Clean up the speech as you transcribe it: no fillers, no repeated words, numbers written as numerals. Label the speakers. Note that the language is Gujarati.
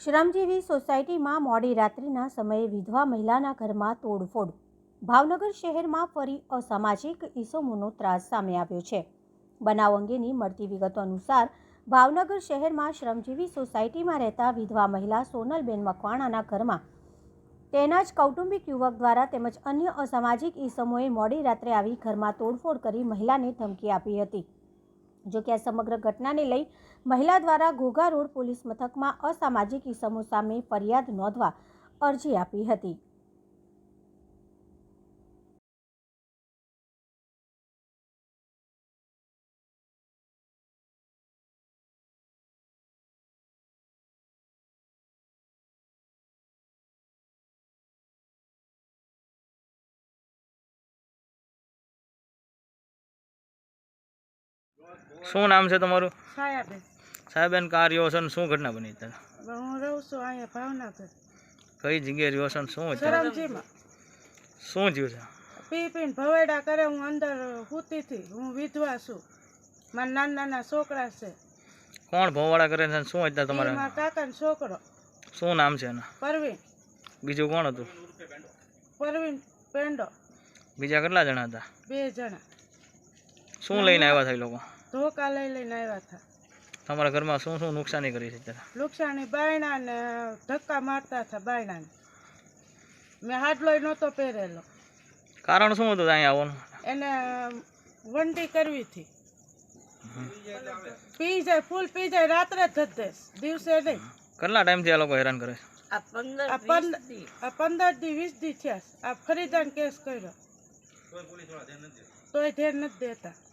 Speaker 1: શ્રમજીવી સોસાયટીમાં મોડી રાત્રિના સમયે વિધવા મહિલાના ઘરમાં તોડફોડ। ભાવનગર શહેરમાં ફરી અસામાજિક ઇસમોનો ત્રાસ સામે આવ્યો છે। બનાવ અંગેની મળતી વિગતો અનુસાર ભાવનગર શહેરમાં શ્રમજીવી સોસાયટીમાં રહેતા વિધવા મહિલા સોનલબેન મકવાણાના ઘરમાં તેના જ કૌટુંબિક યુવક દ્વારા તેમજ અન્ય અસામાજિક ઇસમોએ મોડી રાત્રે આવી ઘરમાં તોડફોડ કરી મહિલાને ધમકી આપી હતી। જો કે આ સમગ્ર ઘટનાને લઈ મહિલા દ્વારા ઘોઘા રોડ પોલીસ મથકમાં અસામાજિક ઇસમો સામે ફરિયાદ નોંધવા અરજી આપી હતી।
Speaker 2: શું નામ છે તમારું?
Speaker 3: છાયાબેન।
Speaker 2: સાહેબેન કા રહ્યો છો ને શું ઘટના બની અત્યારે?
Speaker 3: હું રહું છું અહીંયા ભાવનગર।
Speaker 2: કઈ જગ્યાએ રહ્યો છો ને શું અત્યારે
Speaker 3: સરમજીમાં
Speaker 2: શું થયું છે?
Speaker 3: પી પીને ભવેડા કરે, હું અંદર સૂતી હતી। હું વિધવા છું, મારા નાના નાના છોકરા છે।
Speaker 2: કોણ ભોવાડા કરે છે? શું અત્યારે તમારે?
Speaker 3: મારા કાકાનો છોકરો
Speaker 2: શું નામ છે એના?
Speaker 3: પરવીન।
Speaker 2: બીજું કોણ હતું?
Speaker 3: પરવીન પેંડો।
Speaker 2: બીજા કેટલા જણા હતા?
Speaker 3: 2 જણા।
Speaker 2: શું લઈને આવ્યા હતા એ લોકો?
Speaker 3: ધોકા લઈને આવ્યા હતા।
Speaker 2: તમારા ઘરમાં શું શું નુકસાની કરી છે અત્યારે?
Speaker 3: નુકસાની બાયણા ને ધક્કા મારતા હતા બાયણાને। મેં હાડલોય નહોતો પહેરેલો।
Speaker 2: કારણ શું હતું અહીંયા આવવાનું?
Speaker 3: એને વંટી કરવી હતી। પી જાય, ફૂલ પી જાય, રાત્રે જ દેશ, દિવસે નહીં।
Speaker 2: કેટલા ટાઈમથી આ લોકો હેરાન કરે છે?
Speaker 3: આ 15 દી 20 દી થયા। આ ફરીદાન કેસ કર્યો તોય ધ્યાન નથી દેતા।